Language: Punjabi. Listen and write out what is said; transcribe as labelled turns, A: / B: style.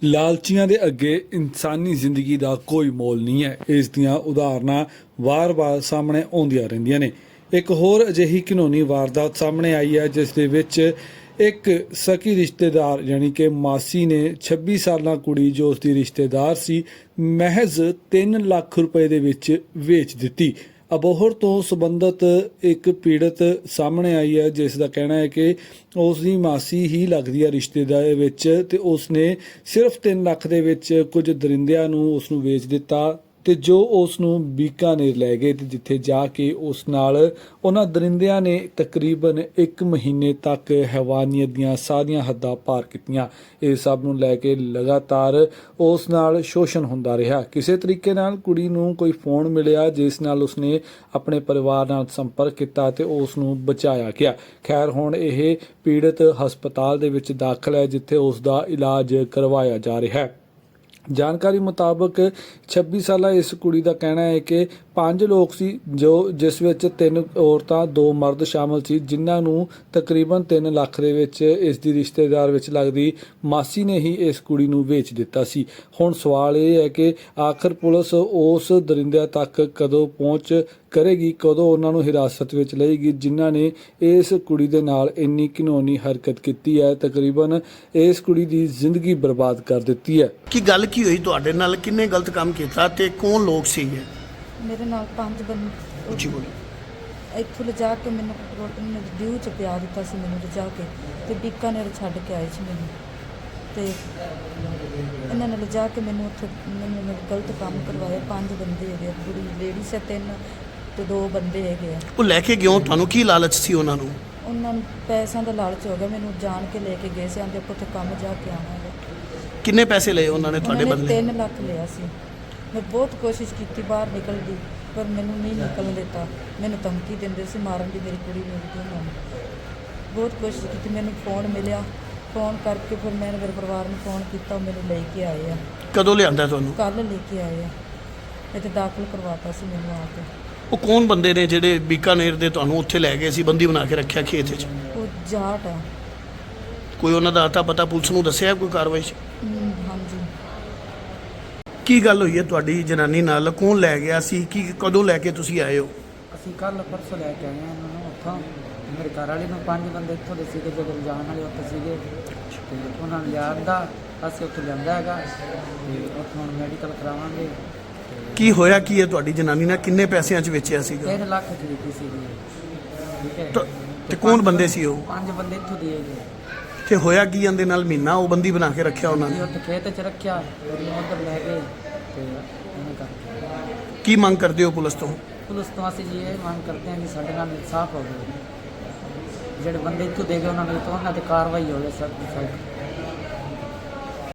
A: ਲਾਲਚੀਆਂ ਦੇ ਅੱਗੇ ਇਨਸਾਨੀ ਜ਼ਿੰਦਗੀ ਦਾ ਕੋਈ ਮੁੱਲ ਨਹੀਂ ਹੈ। ਇਸ ਦੀਆਂ ਉਦਾਹਰਨਾਂ ਵਾਰ-ਵਾਰ ਸਾਹਮਣੇ ਆਉਂਦੀਆਂ ਰਹਿੰਦੀਆਂ ਨੇ। ਇੱਕ ਹੋਰ ਅਜਿਹੀ ਘਿਨੌਣੀ ਵਾਰਦਾਤ ਸਾਹਮਣੇ ਆਈ ਹੈ ਜਿਸ ਦੇ ਵਿੱਚ ਇੱਕ ਸਕੀ ਰਿਸ਼ਤੇਦਾਰ ਯਾਨੀ ਕਿ ਮਾਸੀ ਨੇ 26 ਸਾਲਾਂ ਕੁੜੀ ਜੋ ਉਸ ਦੀ ਰਿਸ਼ਤੇਦਾਰ ਸੀ ਮਹਿਜ਼ 3 ਲੱਖ ਰੁਪਏ ਦੇ ਵਿੱਚ ਵੇਚ ਦਿੱਤੀ। ਅਬੋਹਰ ਤੋਂ ਸੰਬੰਧਿਤ ਇੱਕ ਪੀੜਤ ਸਾਹਮਣੇ ਆਈ ਹੈ ਜਿਸ ਦਾ ਕਹਿਣਾ ਹੈ ਕਿ ਉਸ ਦੀ ਮਾਸੀ ਹੀ ਲੱਗਦੀ ਹੈ ਰਿਸ਼ਤੇ ਦੇ ਵਿੱਚ ਤੇ ਉਸ ਨੇ ਸਿਰਫ 3 ਲੱਖ ਦੇ ਵਿੱਚ ਕੁਝ ਦਰਿੰਦਿਆਂ ਨੂੰ ਉਸ ਨੂੰ ਵੇਚ ਦਿੱਤਾ ਤੇ ਜੋ ਉਸ ਨੂੰ ਬੀਕਾਨੇਰ ਲੈ ਗਏ ਤੇ ਜਿੱਥੇ ਜਾ ਕੇ ਉਸ ਨਾਲ ਉਹਨਾਂ ਦਰਿੰਦਿਆਂ ਨੇ ਤਕਰੀਬਨ 1 ਮਹੀਨੇ ਤੱਕ ਹੈਵਾਨੀਅਤ ਦੀਆਂ ਸਾਰੀਆਂ ਹੱਦਾਂ ਪਾਰ ਕੀਤੀਆਂ। ਇਹ ਸਭ ਨੂੰ ਲੈ ਕੇ ਲਗਾਤਾਰ ਉਸ ਨਾਲ ਸ਼ੋਸ਼ਣ ਹੁੰਦਾ ਰਿਹਾ। ਕਿਸੇ ਤਰੀਕੇ ਨਾਲ ਕੁੜੀ ਨੂੰ ਕੋਈ ਫੋਨ ਮਿਲਿਆ ਜਿਸ ਨਾਲ ਉਸਨੇ ਆਪਣੇ ਪਰਿਵਾਰ ਨਾਲ ਸੰਪਰਕ ਕੀਤਾ ਤੇ ਉਸ ਨੂੰ ਬਚਾਇਆ ਗਿਆ। ਖੈਰ ਹੁਣ ਇਹ ਪੀੜਤ ਹਸਪਤਾਲ ਦੇ ਵਿੱਚ ਦਾਖਲ ਹੈ ਜਿੱਥੇ ਉਸ ਦਾ ਇਲਾਜ ਕਰਵਾਇਆ ਜਾ ਰਿਹਾ ਹੈ। ਜਾਣਕਾਰੀ ਮੁਤਾਬਕ 26 ਸਾਲਾ ਇਸ ਕੁੜੀ ਦਾ ਕਹਿਣਾ ਹੈ ਕਿ 5 ਲੋਕ ਸੀ ਜਿਸ ਵਿੱਚ 3 ਔਰਤਾਂ 2 ਮਰਦ ਸ਼ਾਮਲ ਸੀ ਜਿਨ੍ਹਾਂ ਨੂੰ ਤਕਰੀਬਨ 3 ਲੱਖ ਦੇ ਵਿੱਚ ਇਸ ਦੀ ਰਿਸ਼ਤੇਦਾਰ ਵਿੱਚ ਲੱਗਦੀ ਮਾਸੀ ਨੇ ਹੀ ਇਸ ਕੁੜੀ ਨੂੰ ਵੇਚ ਦਿੱਤਾ ਸੀ। ਹੁਣ ਸਵਾਲ ਇਹ ਹੈ ਕਿ ਆਖਰ ਪੁਲਿਸ ਉਸ ਦਰਿੰਦਿਆਂ ਤੱਕ ਕਦੋਂ ਪਹੁੰਚ ਕਰੇਗੀ, ਕਦੋਂ ਉਹਨਾਂ ਨੂੰ ਹਿਰਾਸਤ ਵਿੱਚ ਲਏਗੀ ਜਿਨ੍ਹਾਂ ਨੇ ਇਸ ਕੁੜੀ ਦੇ ਨਾਲ ਇੰਨੀ ਘਿਨੌਣੀ ਹਰਕਤ ਕੀਤੀ ਹੈ। ਤਕਰੀਬਨ ਇਸ ਕੁੜੀ ਦੀ ਜ਼ਿੰਦਗੀ ਬਰਬਾਦ ਕਰ ਦਿੱਤੀ ਹੈ।
B: ਕੀ ਗੱਲ ਕੀ ਹੋਈ ਤੁਹਾਡੇ ਨਾਲ? ਕਿੰਨੇ ਗਲਤ ਕੰਮ ਕੀਤਾ ਤੇ ਕੌਣ ਲੋਕ ਸੀਗੇ?
C: ਮੇਰੇ ਨਾਲ 5 ਬੰਦੇ
B: ਉੱਚੀ ਬੋਲੋ।
C: ਇੱਥੋਂ ਲਿਜਾ ਕੇ ਮੈਨੂੰ ਰੋਟੀ ਨੇ ਡਿਊ ਚ ਪਿਆ ਦਿੱਤਾ ਸੀ ਮੈਨੂੰ ਲਿਜਾ ਕੇ ਤੇ ਬੀਕਾਨੇਰ ਛੱਡ ਕੇ ਆਏ ਸੀ ਮੈਨੂੰ ਤੇ ਇਹਨਾਂ ਨੇ ਲਿਜਾ ਕੇ ਮੈਨੂੰ ਉੱਥੇ ਮੈਨੂੰ ਗਲਤ ਕੰਮ ਕਰਵਾਇਆ। 5 ਬੰਦੇ ਹੈਗੇ ਆ, ਕੁੜੀ ਲੇਡੀਜ਼ ਹੈ 3 ਤੇ 2 ਬੰਦੇ ਹੈਗੇ ਆ।
B: ਉਹ ਲੈ ਕੇ ਕਿਉਂ? ਤੁਹਾਨੂੰ ਕੀ ਲਾਲਚ ਸੀ ਉਹਨਾਂ ਨੂੰ?
C: ਉਹਨਾਂ ਨੂੰ ਪੈਸਿਆਂ ਦਾ ਲਾਲਚ ਹੋ ਗਿਆ। ਮੈਨੂੰ ਜਾਣ ਕੇ ਲੈ ਕੇ ਗਏ ਸੀ, ਆਂਦੇ ਉੱਥੇ ਕੰਮ ਜਾ ਕੇ ਆਉਣਾ ਹੈ।
B: ਕਿੰਨੇ ਪੈਸੇ ਲਏ ਉਹਨਾਂ ਨੇ ਤੁਹਾਡੇ ਬਦਲੇ?
C: 3 ਲੱਖ ਲਿਆ ਸੀ। ਮੈਂ ਬਹੁਤ ਕੋਸ਼ਿਸ਼ ਕੀਤੀ ਬਾਹਰ ਨਿਕਲਣ ਦੀ ਪਰ ਮੈਨੂੰ ਨਹੀਂ ਨਿਕਲਣ ਦਿੱਤਾ। ਮੈਨੂੰ ਧਮਕੀ ਦਿੰਦੇ ਸੀ ਮਾਰਨ ਦੀ, ਮੇਰੀ ਕੁੜੀ ਨੂੰ ਵੀ ਉਹਨਾਂ ਨੇ ਬਹੁਤ ਕੋਸ਼ਿਸ਼ ਕੀਤੀ। ਮੈਨੂੰ ਫੋਨ ਮਿਲਿਆ, ਫੋਨ ਕਰਕੇ ਫਿਰ ਮੈਂ ਮੇਰੇ ਪਰਿਵਾਰ ਨੂੰ ਫੋਨ ਕੀਤਾ, ਉਹ ਮੈਨੂੰ ਲੈ ਕੇ ਆਏ ਆ।
B: ਕਦੋਂ ਲਿਆਂਦਾ ਤੁਹਾਨੂੰ?
C: ਕੱਲ੍ਹ ਲੈ ਕੇ ਆਏ ਆ। ਇੱਥੇ ਦਾਖਲ ਕਰਵਾਤਾ ਸੀ ਮੈਨੂੰ ਆ ਕੇ।
B: ਉਹ ਕੌਣ ਬੰਦੇ ਨੇ ਜਿਹੜੇ ਬੀਕਾਨੇਰ ਦੇ ਤੁਹਾਨੂੰ ਉੱਥੇ ਲੈ ਗਏ ਸੀ, ਬੰਦੀ ਬਣਾ ਕੇ ਰੱਖਿਆ ਖੇਤ ਵਿੱਚ?
C: ਉਹ ਜਾਟ ਆ।
B: ਕੋਈ ਉਹਨਾਂ ਦਾ ਅਤਾ ਪਤਾ ਪੁਲਿਸ ਨੂੰ ਦੱਸਿਆ ਕੋਈ ਕਾਰਵਾਈ 'ਚ?
C: ਹਾਂਜੀ।
B: ਕੀ ਗੱਲ ਹੋਈ ਹੈ ਤੁਹਾਡੀ ਜਨਾਨੀ ਨਾਲ? ਕੌਣ ਲੈ ਗਿਆ ਸੀ? ਕਦੋਂ ਲੈ ਕੇ ਤੁਸੀਂ ਆਏ ਹੋ?
D: ਅਸੀਂ ਕੱਲ੍ਹ ਪਰਸੋਂ ਲੈ ਕੇ ਆਏ ਹਾਂ ਇਹਨਾਂ ਨੂੰ ਉੱਥੋਂ। ਮੇਰੇ ਘਰ ਵਾਲੇ ਨੂੰ 5 ਬੰਦੇ ਇੱਥੋਂ ਦੇ ਸੀਗੇ ਜਦੋਂ ਜਾਣ ਵਾਲੇ ਉੱਥੇ ਸੀਗੇ ਤੇ ਉਹਨਾਂ ਨੂੰ ਲਿਆਂਦਾ, ਅਸੀਂ ਉੱਥੇ ਲਿਆਂਦਾ ਹੈਗਾ ਤੇ ਉੱਥੋਂ ਹੁਣ ਮੈਡੀਕਲ ਕਰਾਵਾਂਗੇ।
B: ਕੀ ਹੋਇਆ ਕੀ ਹੈ ਤੁਹਾਡੀ ਜਨਾਨੀ ਨਾਲ? ਕਿੰਨੇ ਪੈਸਿਆਂ 'ਚ ਵੇਚਿਆ ਸੀਗਾ?
D: 3 ਲੱਖ ਦੀ ਦਿੱਤੀ ਸੀਗੀ। ਠੀਕ ਹੈ।
B: ਤੇ ਕੌਣ ਬੰਦੇ ਸੀ ਉਹ?
D: 5 ਬੰਦੇ ਇੱਥੋਂ ਦੇ ਹੈਗੇ।
B: ਤੇ ਹੋਇਆ ਕੀ ਇਹਦੇ ਨਾਲ? ਮਹੀਨਾ ਉਹ ਬੰਦੀ ਬਣਾ ਕੇ ਰੱਖਿਆ ਉਹਨਾਂ
D: ਅਸੀਂ
B: ਨੇ?
D: ਉੱਥੇ ਖੇਤ 'ਚ ਰੱਖਿਆ, ਉਹਨੂੰ ਉੱਧਰ ਲੈ ਗਏ ਤੇ ਉਹਨੇ ਕਰਕੇ।
B: ਕੀ ਮੰਗ ਕਰਦੇ ਹੋ ਪੁਲਿਸ ਤੋਂ?
D: ਪੁਲਿਸ ਤੋਂ ਅਸੀਂ ਜੀ ਇਹ ਮੰਗ ਕਰਦੇ ਹਾਂ ਕਿ ਸਾਡੇ ਨਾਲ ਇਨਸਾਫ ਹੋਵੇ। ਜਿਹੜੇ ਬੰਦੇ ਇੱਥੋਂ ਦੇ ਗਏ ਉਹਨਾਂ ਨੂੰ ਤਾਂ ਉਹਨਾਂ 'ਤੇ ਕਾਰਵਾਈ ਹੋਵੇ ਸਖਤ।